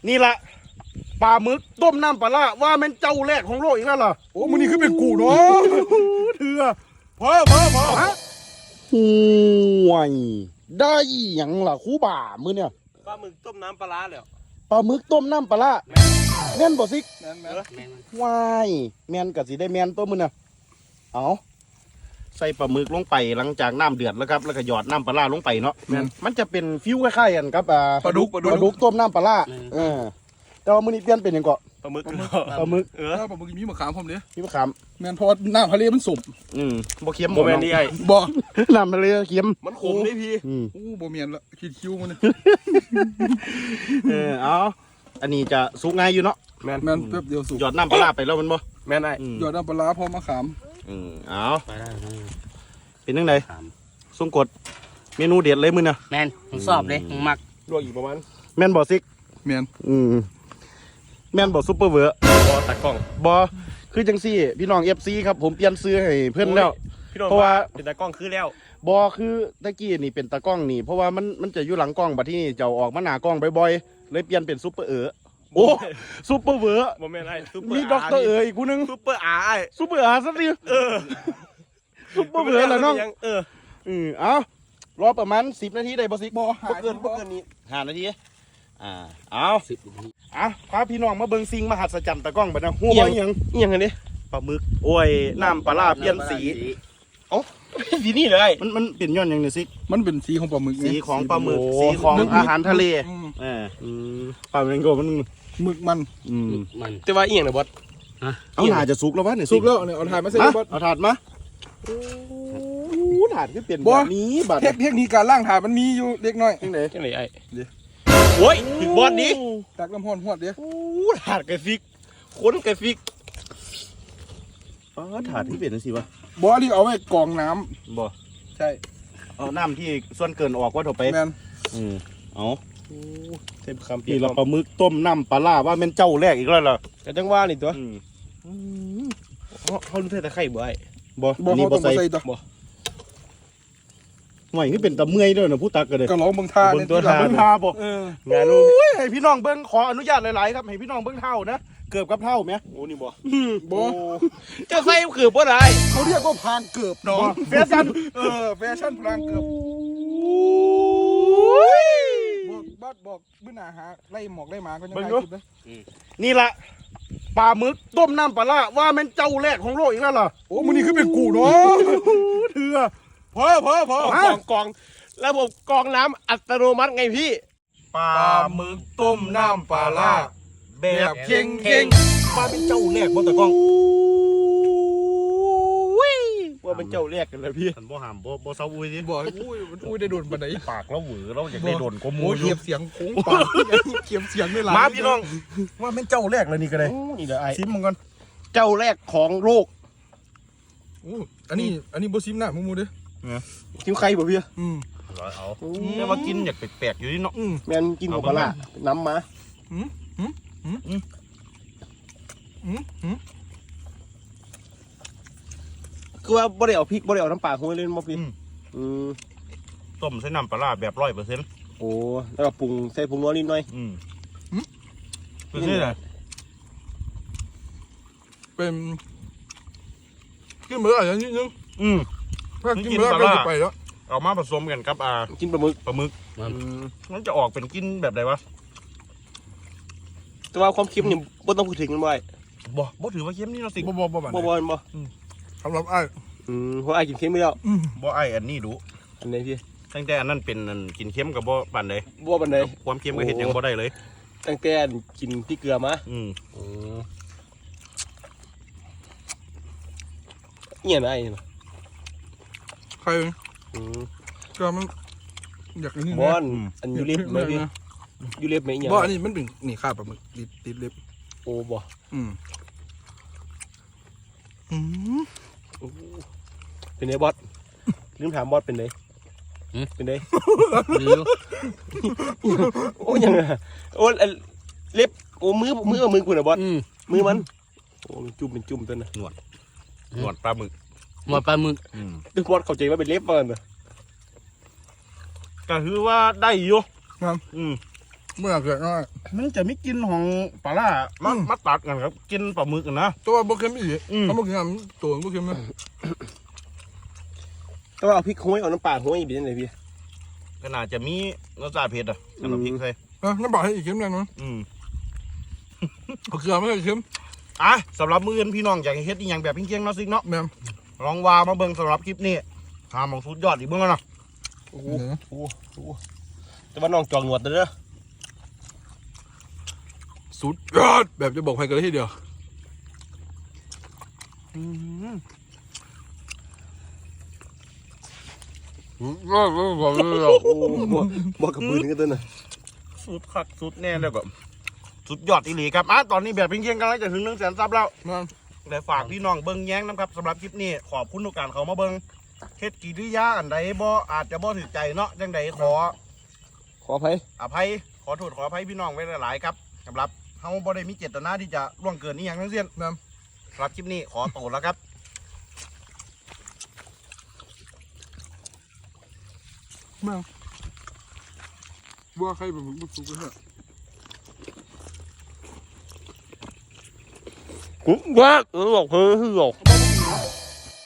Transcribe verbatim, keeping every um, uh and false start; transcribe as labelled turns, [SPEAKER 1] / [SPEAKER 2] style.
[SPEAKER 1] นี่ละปลาหมึกต้มน้ำปลาล่าว่ามันเจ้าแรกของโลกอีกแล้วเหรอโอ้มันนี่ขึ้นเป็นกูเนาะเถื่อพอพอพอฮะห่วยได้ยังล่ะคูบ่ามือเนี่ย
[SPEAKER 2] ปลาหมึกต้มน้ำปลาร้าเลย
[SPEAKER 1] ปลาหมึกต้มน้ำปลาล่าแม่นบ่ซิก
[SPEAKER 2] แม่นแม่น
[SPEAKER 1] วายแม่นกับสิได้แม่นตัวมือเนี่ยเอาใส่ปลาหมึกลงไปหลังจากน้ำเดือดแล้วครับแล้วก็หยอดน้ำปลาล่าลงไปเนาะมันจะเป็นฟิวคล้ายๆกันครับ
[SPEAKER 2] ปลาดุก
[SPEAKER 1] ปลาดุกต้มน้ำปลาล่าเออแต่ว่ามื้อนี้เปลี่ยนเป็นยังเกาะ
[SPEAKER 2] ปลาหมึก
[SPEAKER 1] ปลาหมึก
[SPEAKER 3] เออปลาหมึกมีมะขามผมเด้
[SPEAKER 1] มีมะขาม
[SPEAKER 3] แม่นเพราะน้ำทะเลมันสุ่ม
[SPEAKER 1] อืมบ่เค็ม
[SPEAKER 2] บ่แม่นนี่ไอ้
[SPEAKER 3] บ่
[SPEAKER 1] น้ำทะเลเค็ม
[SPEAKER 2] มันขมนี่พี่
[SPEAKER 3] โอ้บ่แม่นละคิดคิวมัน
[SPEAKER 1] เออเอาอันนี้จะสุกง่ายอยู่เนาะ
[SPEAKER 3] แม่นแม่นแป๊บเดียวสุก
[SPEAKER 1] หยอดน้ำปลาไปแล้วมันบ่
[SPEAKER 2] แม่นไอ้
[SPEAKER 3] หยอดน้ำปลาพร้อมมะขาม
[SPEAKER 1] อืมเอาเป็นจังไดสงกดเมนูเด็ดเลยมื้อน่ะ
[SPEAKER 4] แม่นผมสอบเลยผมมัก
[SPEAKER 2] ลวกอีกประมาณ
[SPEAKER 1] แม่นบ่ซิก
[SPEAKER 3] แม่น
[SPEAKER 1] อืมแม่นบ่ซุปเปอร์เวอร์
[SPEAKER 2] บ่ตากล้อง
[SPEAKER 1] บ่คือจังซี่พี่น้อง เอฟ ซี ครับผมเปลี่ยนซื้อให้เพิ่นแล้วเพราะว่า
[SPEAKER 2] เป็นตากล้องคือแล้ว
[SPEAKER 1] บ่คือตะกี้นี่เป็นตากล้องนี่เพราะว่ามันมันจะอยู่หลังกล้องบัดที่นี่จะออกมาหน้ากล้องบ่อยๆเลยเปลี่ยนเป็นซุปเปอร์เออโอ้ซุปเปอร์เวอร์
[SPEAKER 2] บ่แม่นไอ้ซุปเปอร์
[SPEAKER 1] มีด็อกเตอร์เอออีกผู้นึง
[SPEAKER 2] ซุปเปอร์อาร์ไอ้
[SPEAKER 1] ซุปเปอร์อาร์ซะสิเออซุปเปอร์เวอร์ล่ะน้อง
[SPEAKER 2] เออ
[SPEAKER 1] อือเอารอประมาณสิบนาทีได้บ่สิบ่
[SPEAKER 2] บ่เกินบ่เกินนี้
[SPEAKER 1] ห้านาทีอ่าเอาสิบนาทีอ่ะพาพี่น้องมาเบิ่งสิ่งมหัศจรรย์ตะกล้องบัดนะฮู้บ่อีหยัง
[SPEAKER 2] อีหยังอันนี้
[SPEAKER 1] ปลาหมึกโอ้ยน้ำปลาร้าเปลี่ยนสี
[SPEAKER 2] เอ้าสีนี่เลย
[SPEAKER 1] มันมันเป็นย้อนหยังนี่สิ
[SPEAKER 3] มันเป็นสีของปลาหมึก
[SPEAKER 1] สีของปลาหมึกสีของอาหารทะเลเออปลาหมึกก็มัน
[SPEAKER 3] หมึกมัน
[SPEAKER 1] อืม
[SPEAKER 4] มัน
[SPEAKER 2] แต่ว่าอีหยังน่ะบอส
[SPEAKER 1] เอาถาดจะสุกแล้ววะนี่
[SPEAKER 3] สุกแล้วเนี่ยเอาถาดมาใส่บอส
[SPEAKER 1] เอาถาดมาโอ้ถาดก็เปลี่ยนแบบนี้บัด
[SPEAKER 3] เทคนิคการล่างถาดมันมีอยู่เล็กน้อย
[SPEAKER 1] จังได๋
[SPEAKER 2] จังได๋ไอ้โอ้ยถึงบอสดิ
[SPEAKER 3] ตักน้ำห้อนหวดเด้
[SPEAKER 1] โอ้ถาดกระฟิกคนกระฟิกอ๋อถาดที่เปลี่ยนจังซี่วะ
[SPEAKER 3] บ่ที่เอาไว้กรองน้
[SPEAKER 1] ำบ่
[SPEAKER 3] ใช่
[SPEAKER 1] เอาน้ำที่ส่วนเกินออกว่าถูกไป
[SPEAKER 3] แม่น
[SPEAKER 1] อืมเอา
[SPEAKER 2] เต็มคำ
[SPEAKER 1] นี่เราปลาหมึกต้มน้ำปลาล่าว่าเป็นเจ้าแรกอีกแล้วเหรอ
[SPEAKER 2] ก็จังว่านี่ตัว
[SPEAKER 1] เขาเขารู้แต่ไข่บ่ไอ้
[SPEAKER 3] บ่บ่เขาต้องใส่ตัวบ่
[SPEAKER 1] หม่นี่เป็นตะเมื่อยด้วยนะผู้ตักกันเลย
[SPEAKER 3] ก็ร้องเบิ่งท่า
[SPEAKER 1] เบิ่งตัวท่าเบิ่งท่าบ่
[SPEAKER 2] งานนู้น
[SPEAKER 1] ให้พี่น้องเบิ่งขออนุญาตหลายๆครับให้พี่น้องเบิ่งเท่านะเกือบกับเท่าไหม
[SPEAKER 2] โอ้นี่บ่
[SPEAKER 3] บ่
[SPEAKER 2] จะใส่เกือบบ่ได้
[SPEAKER 3] เขาเรียกว่าพานเกือบน้อง
[SPEAKER 1] แฟชั่น
[SPEAKER 3] เออแฟชั่นพานเกือบบอกบอกบอกเมื่อหน้าหาไล่หมอกไล่หมาก็ยังได้คิดนะ
[SPEAKER 1] นี่ละปลาหมึกต้มน้ำปลาล่าว่ามันเจ้าแรกของโลกอีกแล้วเหรอ
[SPEAKER 3] โอ้มันนี่ขึ้นเป็นกูเนาะ
[SPEAKER 1] เถื่อ
[SPEAKER 3] พอพอพอก
[SPEAKER 2] องกองระบบกองน้ำอัตโนมัติไงพี่
[SPEAKER 1] ปลาหมึกต้มน้ำปลาล่าแบบเค็งเค็งว่าเป็นเจ้าแรกบนตะกล้องว่าเป็นเจ้าแรกกันเลยพี่บ่หามบ่บ่เซาอุ้ยดิ
[SPEAKER 3] บ่อุ้ยมันอุ้ยได้โดนปานไหน
[SPEAKER 1] ปากเราหวือเราอยากได้โดนก็มู
[SPEAKER 3] เขียบเสียงโค้งปากเขียบเสียงไม่หลับ
[SPEAKER 1] มาพี่น้องว่าเป็นเจ้าแรกเลยนี่ก็ได้
[SPEAKER 2] นี่เด้อไอ้
[SPEAKER 1] ซิมมึงก่อนเจ้าแรกของโลก
[SPEAKER 3] อู้อันนี้อันนี้บ่ซิมหน้ามูมูเด้
[SPEAKER 1] อซิมใครบ่พี่
[SPEAKER 3] อืม
[SPEAKER 1] เอาแต่ว่ากินอยากแปลกๆอยู่นี่เนาะ
[SPEAKER 3] แม่นกินของปลา
[SPEAKER 1] น้ำมา
[SPEAKER 3] อืมอืมอืมอืมอืมอืม
[SPEAKER 2] คือว่าบ่ได้เอาพริกบ่ได้เอาน้ำปลาห้วยเล่นบ่พี่
[SPEAKER 1] อืมต้มใส่น้ำปลาแบบร้อยเปอร์เซ็นต์
[SPEAKER 2] โอ้แล้วก็ปรุงใส่ผงนัวนิดหน่อย
[SPEAKER 1] อืมเป็นนี่แหละ
[SPEAKER 3] เป็นกินเมื่อไหร่นิดนึง
[SPEAKER 1] อืม
[SPEAKER 3] ถ้ากินเมื่อไหร่ก็ไปแล้ว
[SPEAKER 1] เอามาผสมกันครับอ่า
[SPEAKER 2] กินปลาหมึก
[SPEAKER 1] ปลาหมึกมันจะออกเป็นกินแบบไหนวะ
[SPEAKER 2] แต่ว่าความเค็มนี่บ่ต้องพูดถึงมันบ่
[SPEAKER 1] บ่บ่ถือว่าเค็มนี่เนาะสิ
[SPEAKER 3] บ่บ่บ่
[SPEAKER 2] บ่บ่บ่
[SPEAKER 3] สำหรับไอ้
[SPEAKER 2] อืมเพราะไอ้กินเค็มไม่แล้ว
[SPEAKER 1] บ่ไอ้อันนี้ดู
[SPEAKER 2] อันไหนพี่
[SPEAKER 1] ตั้งแต่อันนั้นเป็นกินเค็มกับบ่ปานใด
[SPEAKER 2] บ่ปานใด
[SPEAKER 1] ความเค็มก็เฮ็ดยังบ่ได้เลย
[SPEAKER 2] ตั้งแต่กินพริกเกลือมา
[SPEAKER 1] อืม
[SPEAKER 2] เงี้ยนะไอ้
[SPEAKER 3] ใครอืมก็มันอยากนี่
[SPEAKER 2] บอลอันยูเล็บไหมพี่ยูเล็บไหมเนี่ย
[SPEAKER 3] บอลอันนี้มันเป็นนี่ข้าปลาหมึกติดติดเล็บ
[SPEAKER 2] โอ้บ่
[SPEAKER 3] อืมอืม
[SPEAKER 2] เป็นไงบอสลืมถามบอสเป็นไงเป็นไงโอ้ยังไงโอ้เล็บโอ้มือมือมือกูนะบอสมือมันโอ้จุ่มเป็นจุ่มตัวน่ะ
[SPEAKER 1] หนวดหนวดปลาหมึก
[SPEAKER 4] หนวดปลาหมึก
[SPEAKER 2] คือบอสเข้าใจว่าเป็นเล็บมันนะ
[SPEAKER 1] ก็คือว่าได้อยู่
[SPEAKER 3] ครับ
[SPEAKER 1] อืม
[SPEAKER 3] เมื่อเกิดน้อย
[SPEAKER 1] มันจะไม่กินของปลาล่ามามาตัดกันครับกินปลาหมึกกันนะ
[SPEAKER 3] ตัวบ่เค็มอีก
[SPEAKER 1] อืม
[SPEAKER 3] ถ้าบ่เค็มตัวบ่เค็มนะ
[SPEAKER 2] ต้องเอาพริกห้อยเอาน้ำปลาห้อยอีกเป็นยังไงพี่
[SPEAKER 1] ก็น่าจะมีรสชาติเผ็ดอ่ะสำหรับพริกใส่
[SPEAKER 3] เออน้ำปลาให้อีกเค็มแน่นอน
[SPEAKER 1] อืม
[SPEAKER 3] เอาเกลือไม่เค็ม
[SPEAKER 1] อ่ะสำหรับมื้อนี้พี่น้องอยากให้เฮ็ดอีหยังแบบเพียงๆเนาะซิกเนาะ
[SPEAKER 3] แม่ม
[SPEAKER 1] ลองว่ามาเบิ่งสำหรับคลิปนี้หาหมองสุดยอดอีกเบิ่งกันเนาะ
[SPEAKER 2] โอ้โหโอ้โหแต่ว่าน้องจองหนวดเด้อ
[SPEAKER 3] สุดยอดแบบจะบอกใครกันเลยทีเดียว ก็ก็บอกเลย
[SPEAKER 2] โอ้บ่บ่กับมือถึงกันตัวน่ะ
[SPEAKER 1] สุดคักสุดแน่เลยแบบสุดยอดอีหลีครับอ่ะตอนนี้แบบเพียงๆกันแล้วจะถึงหนึ่งแสนซับแล้ว
[SPEAKER 3] มา
[SPEAKER 1] ได้ฝากพี่น้องเบิ่งแย้งนะครับสำหรับคลิปนี้ขอบคุณทุกการเขามาเบิ่งเฮ็ดกิริยาอันใดบ่อาจจะบ่ถูกใจเนาะจังใดขอ
[SPEAKER 2] ขออภัย
[SPEAKER 1] อภัยขอโทษขออภัยพี่น้องไว้หลายๆครับสำหรับเฮาบ่ได้มีเจตนาที่จะล่วงเกินนี่อย่างทั้งสิ้น
[SPEAKER 3] แม่ม
[SPEAKER 1] สำหรับคลิปนี้ขอตัวแล้วครับ
[SPEAKER 3] แม่มว่าใครเป็นผู้สุกกันเนี่ย
[SPEAKER 2] ว่าเออบอกเฮ้ยหลอก